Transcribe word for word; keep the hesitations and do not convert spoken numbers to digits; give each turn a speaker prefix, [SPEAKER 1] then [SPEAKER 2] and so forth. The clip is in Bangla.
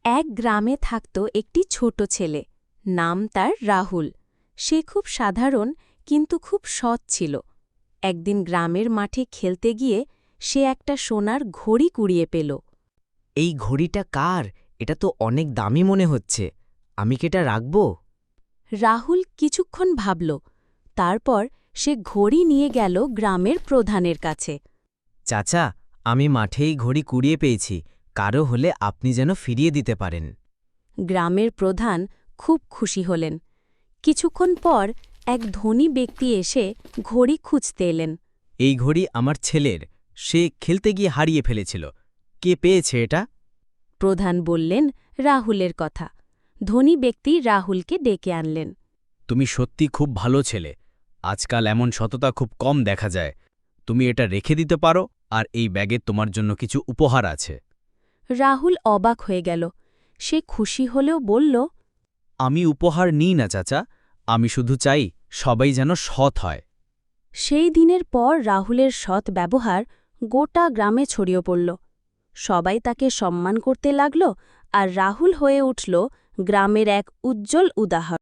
[SPEAKER 1] এক গ্রামে থাকত একটি ছোট ছেলে, নাম তার রাহুল। সে খুব সাধারণ কিন্তু খুব সৎ ছিল। একদিন গ্রামের মাঠে খেলতে গিয়ে সে একটা সোনার ঘড়ি কুড়িয়ে পেল।
[SPEAKER 2] এই ঘড়িটা কার? এটা তো অনেক দামি মনে হচ্ছে। আমি কি এটা রাখব?
[SPEAKER 1] রাহুল কিছুক্ষণ ভাবল, তারপর সে ঘড়ি নিয়ে গেল গ্রামের প্রধানের কাছে।
[SPEAKER 2] চাচা, আমি মাঠেই ঘড়ি কুড়িয়ে পেয়েছি, কারো হলে আপনি যেন ফিরিয়ে দিতে পারেন।
[SPEAKER 1] গ্রামের প্রধান খুব খুশি হলেন। কিছুক্ষণ পর এক ধনী ব্যক্তি এসে ঘড়ি খুঁজতে এলেন।
[SPEAKER 2] এই ঘড়ি আমার ছেলের, সে খেলতে গিয়ে হারিয়ে ফেলেছিল। কে পেয়েছে এটা?
[SPEAKER 1] প্রধান বললেন রাহুলের কথা। ধনী ব্যক্তি রাহুলকে ডেকে আনলেন।
[SPEAKER 3] তুমি সত্যি খুব ভালো ছেলে। আজকাল এমন সততা খুব কম দেখা যায়। তুমি এটা রেখে দিতে পারো, আর এই ব্যাগে তোমার জন্য কিছু উপহার আছে।
[SPEAKER 1] রাহুল অবাক হয়ে গেল। সে খুশি হলেও বলল,
[SPEAKER 3] আমি উপহার নিই না চাচা, আমি শুধু চাই সবাই যেন সৎ হয়।
[SPEAKER 1] সেই দিনের পর রাহুলের সৎ ব্যবহার গোটা গ্রামে ছড়িয়ে পড়ল। সবাই তাকে সম্মান করতে লাগল, আর রাহুল হয়ে উঠল গ্রামের এক উজ্জ্বল উদাহরণ।